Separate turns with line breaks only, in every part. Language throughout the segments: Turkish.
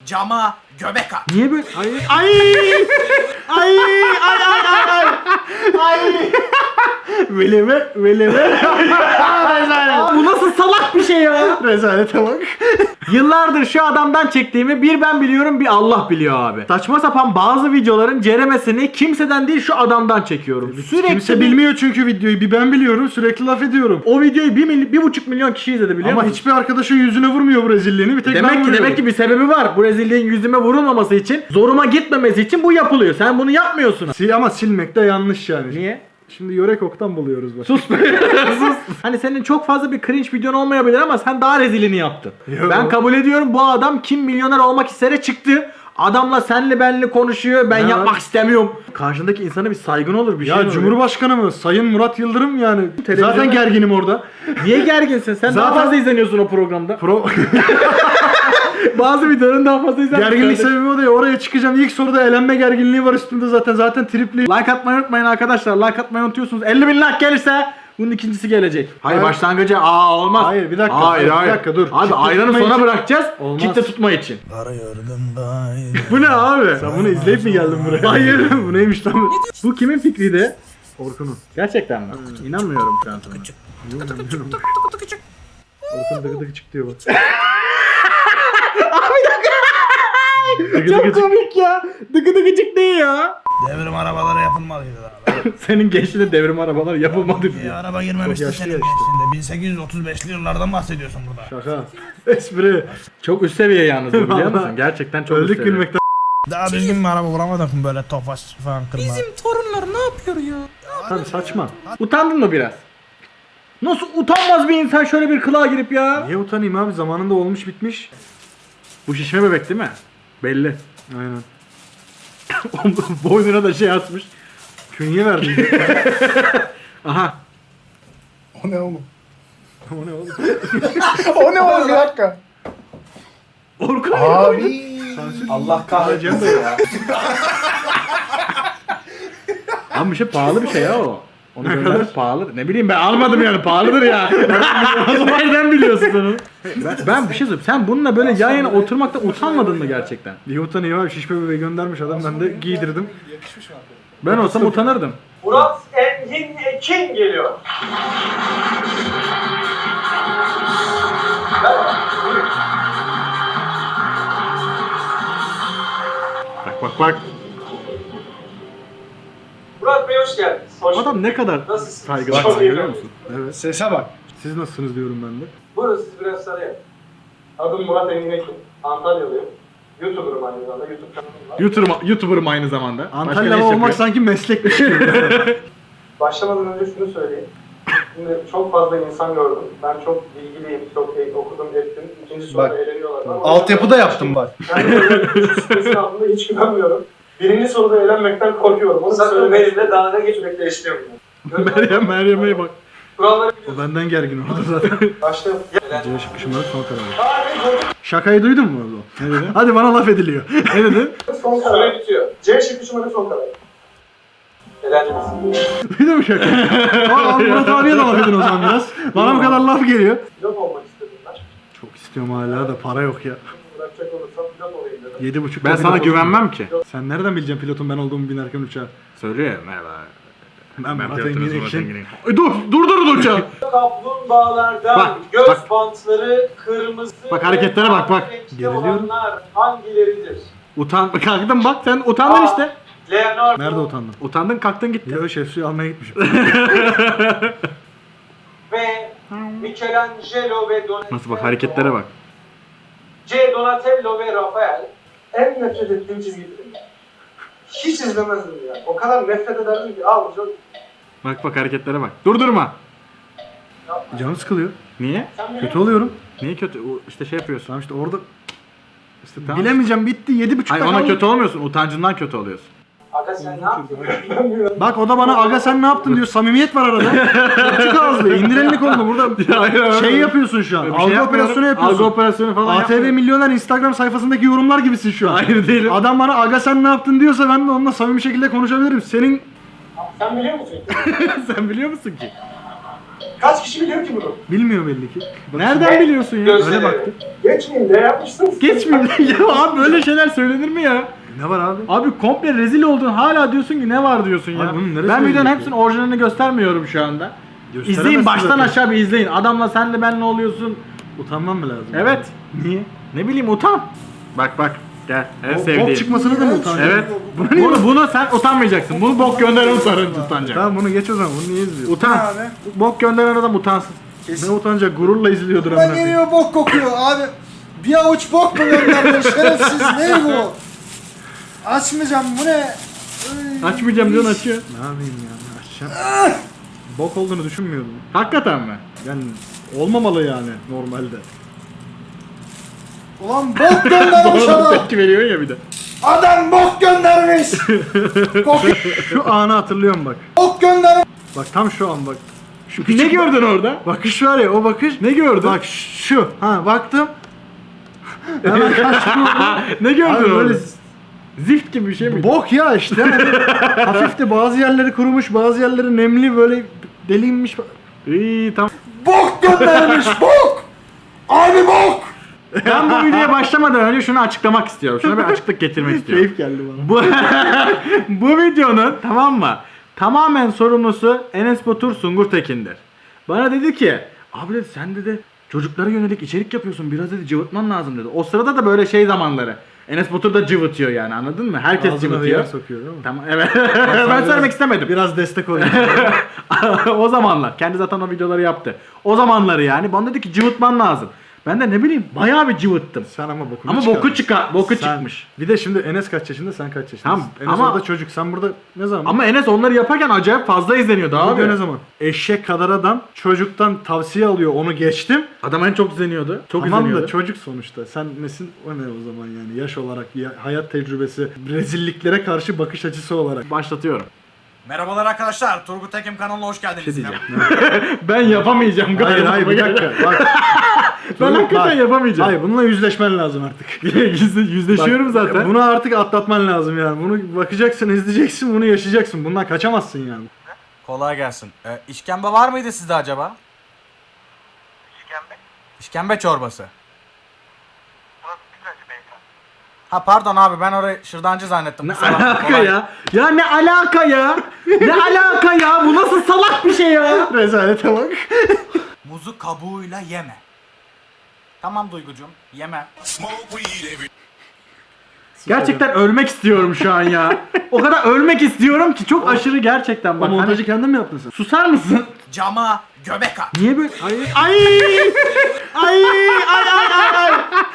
cama göbek at.
Niye böyle? Ay ay ay ay ay ay ay. Veleme. Rezalet. Bu nasıl salak bir şey ya? Rezalete bak. Yıllardır şu adamdan çektiğimi bir ben biliyorum bir Allah biliyor abi. Saçma sapan bazı videoların ceremesini kimseden değil şu adamdan çekiyorum. Sürekli
Kimse bilmiyor çünkü videoyu. Bir ben biliyorum, sürekli laf ediyorum.
o videoyu 1,5 milyon kişi izledi biliyor
Ama
musun?
hiçbir arkadaşın yüzüne vurmuyor bu rezilliğini. Bir tek ben vuruyorum.
Demek ki bir sebebi var. Bu rezilliğin yüzüme vurulmaması için, zoruma gitmemesi için bu yapılıyor. Sen bunu yapmıyorsun.
Ama silmek de yanlış yani.
Niye?
Şimdi yörek oktan buluyoruz bak.
Sus be. Sus. Hani senin çok fazla bir cringe videon olmayabilir ama sen daha rezilini yaptın.
Yo.
Ben kabul ediyorum bu adam kim milyoner olmak istere çıktı. Adamla senli benli konuşuyor. Ben
Ne
yapmak
var?
istemiyorum. Karşındaki insana bir saygın olur bir şey
Ya
olur.
Cumhurbaşkanı mı? Sayın Murat Yıldırım yani.
Televizyonda-
Zaten gerginim orada.
Niye gerginsin? Sen daha
Zaten-
fazla izleniyorsun o programda. Bazı videoların daha fazla izleniyor.
Gerginlik sebebi o değil. Oraya çıkacağım. İlk soruda elenme gerginliği var üstümde zaten. Zaten tripliyim.
Like atmayı unutmayın arkadaşlar. Like atmayı unutuyorsunuz. 50.000 like gelirse bunun ikincisi gelecek. Hayır
Hayır.
başlangıcı olmaz.
Hayır, bir dakika.
Hayır,
Bir dakika, dur.
Abi
Kitle
ayranı
tutma
sona
için-
bırakacağız.
Olmaz.
Kitle tutma için.
Arıyordum gayrı.
Bu ne abi?
Sen bunu izleyip mi geldin buraya?
Hayır.
Bu neymiş lan?
Bu kimin fikriydi?
Orkun'un.
Gerçekten mi? İnanmıyorum şu an sana.
Orkun dıgı dıgı çık diyor bak.
Çok komik ya. Dıgı dıgıcık ne ya?
Devrim arabaları yapılmalıydı abi.
Senin gençliğinde devrim arabalar yapılmadı diye.
Araba girmemişti
Çok yaşlı
senin
ya işte.
gençliğinde. 1835'li yıllardan bahsediyorsun burada.
Şaka. Espri.
Çok üst seviye yalnız bu biliyor musun?
Vallahi.
Gerçekten çok üst
Öldük
seviye.
gülmekten.
Daha düzgün bir araba bulamadık mı böyle tofaş falan kırma.
Torunlar ne yapıyor ya?
Abi saçma.
Utandın mı biraz? Nasıl utanmaz bir insan şöyle bir kılığa girip ya?
Niye utanayım abi? Zamanında olmuş bitmiş.
Bu şişme bebek değil mi? Belli.
Aynen.
Boynuna da şey asmış.
Künye verdin.
Aha.
O ne oğlum?
O ne oğlum?
O ne oğlum bir dakika.
Orkun.
Abi.
Allah kahretsin ya. Ama bir şey pahalı bir şey ya o. Onu gönderip pahalı. Ne bileyim ben almadım yani pahalıdır ya. Nereden biliyorsun onu? Ben bir şey söyleyeyim. Sen bununla böyle yan yana oturmakta utanmadın mı gerçekten?
Niye utanıyor abi? Şişme bebeği göndermiş adam. Ben de giydirdim.
Ben olsam utanırdım.
Murat Engin Ekin geliyor.
Bak.
Murat Bey hoş geldiniz. Hoş
Adam ne kadar
Nasılsınız?
saygılı
Çok iyi
görüyor
görüyorum.
musun?
Evet.
Sese bak.
Siz nasılsınız diyorum ben de.
Buyurun siz biraz sarayın. Adım Murat Engin Ekin. Antalyalıyım. YouTuber'ım aynı zamanda. YouTube kanalım var.
YouTuber'ım aynı zamanda. Başka ne
Antalyalı
iş
olmak
yapıyor?
sanki meslekmiş gibi.
Başlamadan önce şunu söyleyeyim. Şimdi çok fazla insan gördüm. Ben çok bilgiliyim, çok okudum, ettim. İkinci soruda
Bak,
eğleniyorlar. Ama
altyapı da yaptım bak.
Ben böyle stresin altında hiç güvenmiyorum. Birinci soruda eğlenmekten korkuyorum. Onu sakın benimle daha ne geçmekle eşliyorum.
Meryem'e bak.
Kuralları
O benden gergin oldu zaten.
başlayalım.
C şıkışımları son karar.
Abi
Şakayı duydun mu orada? Ne dedi? Hadi bana laf ediliyor. Ne dedi?
son karar. Süre bitiyor. C şıkkı şımarı son karar. Eğlenceli.
Duydun mu şakayı? Abi Murat abiye de laf edin o zaman biraz. Bana bu kadar laf geliyor.
Pilot olmak istedim ben.
Çok istiyorum hala da para yok ya.
Bırakacak olursam pilot olayım dedim.
7,5.
Ben sana güvenmem ki.
Sen nereden bileceksin pilotun ben olduğumu binerken uçağa?
Söylüyor ya merhaba.
Ben Murat Engin Ekin.
Dur uçağı.
Kaplumbağalardan
Bak,
göz
bak.
bantları kırmızı
Bak, hareketlere bak, bak.
renkte
Geriliyorum.
olanlar hangileridir?
Kalktın bak sen utandın işte.
Leonardo.
Nerede utandın?
Utandın kalktın gittin.
Yo şef suyu almaya gitmişim.
Ve Michelangelo ve Donatello.
Nasıl bak hareketlere bak.
C. Donatello ve Rafael. En nefret ettiğim çizgi film. Hiç izlemezdim ya. O kadar nefret ederdim ki. Al çok.
Bak hareketlere bak. Durdurma.
Canım sıkılıyor.
Niye?
Sen biliyor
Kötü
musun?
oluyorum.
Niye kötü? İşte şey yapıyorsun.
Tamam işte orada
İşte tamam.
bilemeyeceğim bitti 7,5'ta
Hayır ona
kaldım.
kötü olmuyorsun. Utancından kötü oluyorsun.
Aga sen ne yaptın? Bilmiyorum.
Bak o da bana aga sen ne yaptın diyor. Samimiyet var arada. Küçük ağızlı. İndir elini kolunu. Burada
hayır,
şey yapıyorsun şu an.
Bir şey
Algı
yapmıyorum.
operasyonu yapıyorsun.
Algı operasyonu falan
ATV
yapmıyorum.
Milyoner Instagram sayfasındaki yorumlar gibisin şu an.
Hayır değilim.
Adam bana aga sen ne yaptın diyorsa ben de onunla samimi şekilde konuşabilirim. Senin
Sen biliyor musun?
Sen biliyor musun ki?
Kaç kişi biliyor ki bunu?
Bilmiyor belli ki.
Nereden biliyorsun ya?
Gözleri.
Öyle baktı.
Geçmeyin ne yapmışsınız?
Geçmeyeyim ya abi, böyle şeyler söylenir mi ya?
Ne var abi?
Abi komple rezil oldun, hala diyorsun ki ne var diyorsun ya.
Abi bunun neresi
Ben videonun
rezillik
hepsinin orijinalini göstermiyorum şu anda.
Gösteremezsin
İzleyin, baştan
zaten.
aşağı bir izleyin. Adamla sen de ben ne oluyorsun?
Utanmam mı lazım?
Evet.
Niye?
Ne bileyim, utan. Bak gel. En
Bok
sevdiğim.
çıkmasını da mı utanacağım?
Evet. Bunu sen utanmayacaksın. Bunu bok gönderen utanacak.
Tamam bunu geç o zaman. Bunu niye izliyorsun?
Utan.
Abi.
Bok gönderen adam utansın.
Ne utanacak? Gururla izliyordur
Ben
amına koyayım.
geliyor bok kokuyor abi. Bir avuç bok mu gönderdin şerefsiz, ne bu? Açmayacağım, bu ne? Ay.
Açmayacağım diyorsun, açıyor.
Ne yapayım ya? Aşağı. Bok olduğunu düşünmüyordum.
Hakikaten mi?
Yani olmamalı yani normalde.
Ulan bok göndermiş
Doğru
adam.
tepki veriyorsun ya bir de.
Adam bok göndermiş.
Şu anı hatırlıyorum bak.
Bok göndermiş.
Bak tam şu an bak. Şu
Ne gördün orada?
bakış var ya, o bakış.
Ne gördün?
Bak şu. Ha baktım. Hemen kaçtım.
Ne gördün
Abi
orada?
böyle
Zift gibi bir şey mi?
bok ya işte. Hani hafif de bazı yerleri kurumuş, bazı yerleri nemli, böyle delinmiş.
İyi tamam.
Bok göndermiş, bok. Abi bok.
Ben bu videoya başlamadan önce şunu açıklamak istiyorum. Şuna bir açıklık getirmek istiyorum.
Keyif geldi bana.
Bu, bu videonun, tamam mı, tamamen sorumlusu Enes Batur Sungur Tekin'dir. Bana dedi ki, abi dedi sen dedi çocuklara yönelik içerik yapıyorsun, biraz dedi cıvıtman lazım dedi. O sırada da böyle şey zamanları. Enes Batur da cıvıtıyor yani, anladın mı? Herkes
Ağzına
cıvıtıyor.
hıyar sokuyor değil mi?
Tamam, evet. Ben söylemek istemedim.
Biraz destek olayım.
O zamanlar. Kendi zaten o videoları yaptı. O zamanları yani. Bana dedi ki cıvıtman lazım. Ben de ne bileyim bayağı bir cıvıttım.
Sen ama bokunu
Ama boku
Sen-
çıkmış.
Bir de şimdi Enes kaç yaşında, sen kaç yaşındasın?
Tamam,
Enes
ama-
orada çocuk, sen burada ne zaman?
Ama Enes onları yaparken acayip fazla izleniyordu
Abi
abi.
ne zaman? Eşek kadar adam çocuktan tavsiye alıyor, onu geçtim.
Adam en çok izleniyordu. Çok
Tamam
izleniyordu.
da çocuk sonuçta. Sen nesin? O ne o zaman yani? Yaş olarak, hayat tecrübesi, rezilliklere karşı bakış açısı olarak.
Başlatıyorum.
Merhabalar arkadaşlar. Turgut Ekim kanalına hoş geldiniz.
Bir şey diyeceğim.
Ben yapamayacağım galiba.
Hayır bir dakika. Bak.
Ben hakikaten yapamayacağım.
Hayır bununla yüzleşmen lazım artık.
Yüzleşiyorum
Bak,
zaten.
Bunu artık atlatman lazım yani. Bunu bakacaksın, izleyeceksin, bunu yaşayacaksın. Bundan kaçamazsın yani.
Kolay gelsin. İşkembe var mıydı sizde acaba?
İşkembe?
İşkembe çorbası.
Burası güzelce beyefendi.
Ha pardon abi, ben orayı şırdancı zannettim.
Ne
Kusura bakma,
alaka
kolay.
ya? Ya ne alaka ya? Ne alaka ya? Bu nasıl salak bir şey ya?
Rezalete bak.
Muzu kabuğuyla yeme. Tamam Duygucuğum, yeme.
Gerçekten ölmek istiyorum şu an ya. O kadar ölmek istiyorum ki çok aşırı gerçekten
O
bak.
montajı
Hani,
kendin mi yaptın sen?
susar mısın?
Cama göbek at.
Niye böyle? Ay ay ay ay.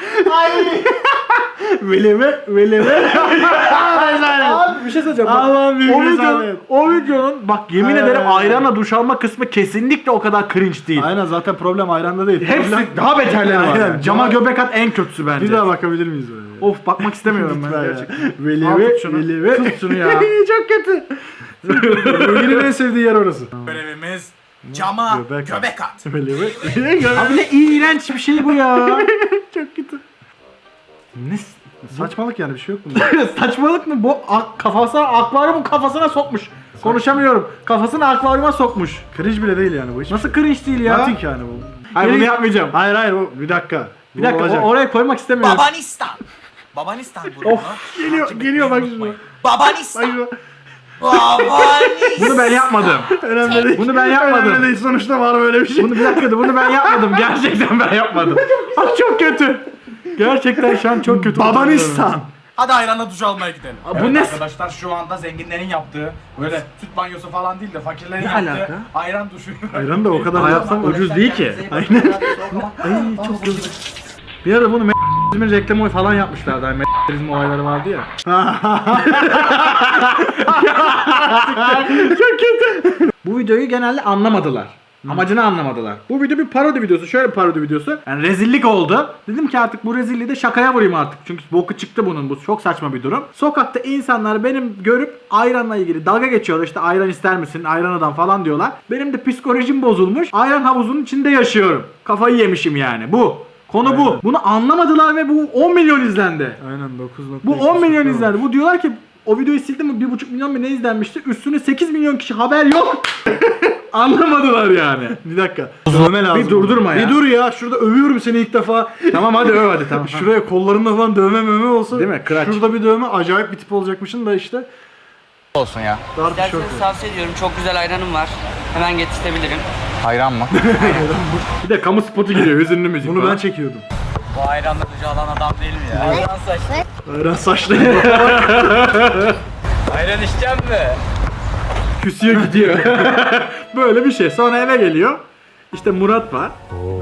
Veleme.
Abi bir şey söyleyeceğim. Bak,
Allah'ım
büyük
o,
rezalet.
o videonun bak yemin ederim ayranla duş alma kısmı kesinlikle o kadar cringe değil.
Aynen zaten problem ayranda değil.
Hepsi
Problem...
daha beterleri var.
Aynen.
Yani. Cama göbek at en kötüsü bence.
Bir daha bakabilir miyiz oraya?
Of, bakmak istemiyorum ben
Lütfen ya.
gerçekten.
Veli
Al
ve
tut şunu.
Veli ve.
Tut şunu ya.
Çok kötü. Veli'nin en sevdiği yer orası.
Görevimiz cama
Göbek at.
göbek at.
Veli ve.
Abi ne iğrenç bir şey bu ya.
Çok kötü.
Ne
Saçmalık yani, bir şey yok bunda.
saçmalık mı bu? Kafasına, akvaryumun kafasına sokmuş. Konuşamıyorum. Kafasını akvaryuma sokmuş.
Cringe bile değil yani bu. Hiç
Nasıl cringe değil ya?
Nothing yani bu.
Hayır bunu yapmayacağım.
Hayır o bir dakika.
Bir dakika oraya koymak istemiyorum.
Babanistan. Babanistan grubunu.
Geliyor bak şimdi.
Babanistan. Babanistan.
Bunu ben yapmadım.
Önemli değil.
Bunu ben yapmadım.
Önemli değil, sonuçta var böyle bir şey.
Bunu bir dakika, bunu ben yapmadım. Gerçekten ben yapmadım. Abi çok kötü. Gerçekten şu an çok kötü.
Babanistan.
Hadi ayranla duş almaya gidelim.
Abi bu
Evet
ne?
arkadaşlar, şu anda zenginlerin yaptığı, böyle süt banyosu falan değil de fakirlerin
Ne
yaptığı
alaka?
ayran duşu.
Ayran da o kadar
Yapsam ucuz değil ki.
Aynen.
Ay çok kötü. Bir ara bunu m***izmin reklamı falan yapmışlardı. Hani m***izm olayları vardı ya. Çok kötü. Bu videoyu genelde anlamadılar. Amacını anlamadılar. Bu video bir parodi videosu. Şöyle bir parodi videosu. Yani rezillik oldu. Dedim ki artık bu rezilliği de şakaya vurayım artık. Çünkü boku çıktı bunun. Bu çok saçma bir durum. Sokakta insanlar benim görüp ayranla ilgili dalga geçiyorlar. İşte ayran ister misin? Ayran adam falan diyorlar. Benim de psikolojim bozulmuş. Ayran havuzunun içinde yaşıyorum. Kafayı yemişim yani. Bu. Konu bu. Bunu anlamadılar ve bu 10 milyon izlendi.
Aynen 9.
Bu 10 milyon izlendi. Bu diyorlar ki O videoyu sildim mi 1,5 milyon mu ne izlenmişti? Üstüne 8 milyon kişi haber yok. Anlamadılar yani.
Bir dakika. Dövme lazım.
Bir durdurma ya.
Bir dur ya. Şurada övüyorum seni ilk defa.
Tamam hadi öv hadi tamam.
Şuraya kollarında falan dövme möme olsa.
Değil mi? Kıraç.
Şurada bir dövme acayip bir tip olacakmışın da işte.
Olsun ya.
Dar tişört.
İsterseniz tavsiye ediyorum. Çok güzel ayranım var. Hemen getirtebilirim.
Hayran mı?
Bir de kamu spotu gidiyor hüzünlü müzik
Bunu
falan.
ben çekiyordum.
Bu ayranla ducu alan adam değil mi ya?
Ayran saçlı.
Ayran saçlı.
Ayran içeceğim mi?
Küsüyor gidiyor. Böyle bir şey. Sonra eve geliyor. İşte Murat var.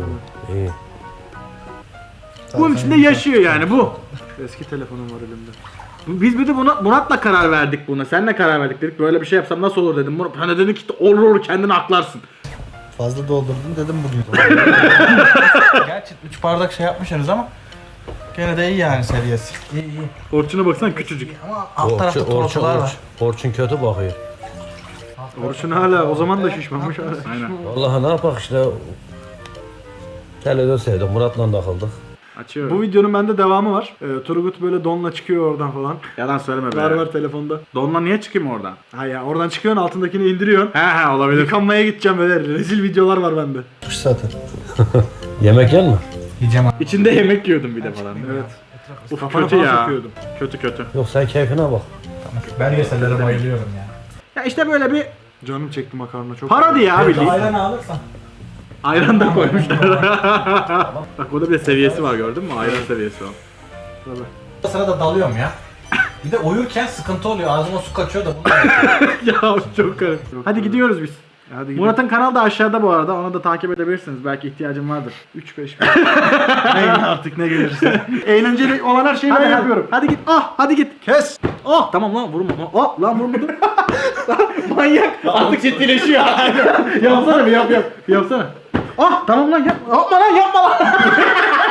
Bunun içinde yaşıyor yani bu.
Eski telefonum var elimde.
Biz bir de Murat'la karar verdik buna. Seninle karar verdik dedik. Böyle bir şey yapsam nasıl olur dedim. Murat hani dedi ki olur olur kendini aklarsın.
Fazla doldurdum dedim bugün.
Gerçi 3 bardak şey yapmışsınız ama gene de iyi yani seviyesi. İyi iyi.
Orçun'a baksan küçücük.
Ama alt tarafta tortular var.
Orçun kötü bakıyor.
Orçun hala o zaman da şişmanmış hala.
Aynen.
Vallahi ne yapak işte. Televizyon sevdim. Murat'la takıldık.
Açıyorum.
Bu videonun bende devamı var. Turgut böyle donla çıkıyor oradan falan.
Yalan söyleme be.
Var telefonda.
Donla niye çıkayım oradan?
Ha ya oradan çıkıyorsun altındakini indiriyorsun.
He olabilir.
Yıkanmaya gideceğim böyle rezil videolar var bende.
Zaten.
Yemek yer mi?
Yiyeceğim abi.
İçinde yemek yiyordum bir de falan.
Evet.
Uf,
Kafana
kötü
falan
ya.
sokuyordum.
Kötü kötü.
Yok sen keyfine bak.
Belgesellere bayılıyorum ya.
Ya işte böyle bir
Canım çekti makarna çok.
parodi ya bildiğin.
Ayran alırsan.
Ayran da koymuşlar. Bak burada bir de seviyesi var gördün mü? Ayran seviyesi o.
O sırada dalıyorum ya. Bir de uyurken sıkıntı oluyor. Ağzıma su kaçıyor da bunu.
Ya çok garip. Hadi gidiyoruz biz.
Hadi gidelim.
Murat'ın kanalı da aşağıda bu arada. Onu da takip edebilirsiniz. Belki ihtiyacım vardır.
3-5 Neyse artık ne gelirse. Eğlenceli olan her şeyi ben yapıyorum.
Hadi git. Ah hadi git.
Kes.
Oh tamam lan vurma. Oh lan vurmadım. Manyak. Artık ciddileşiyor. Yapsana bir yap. Yapsana. Ah tamam lan yap. Yapma lan yapma lan.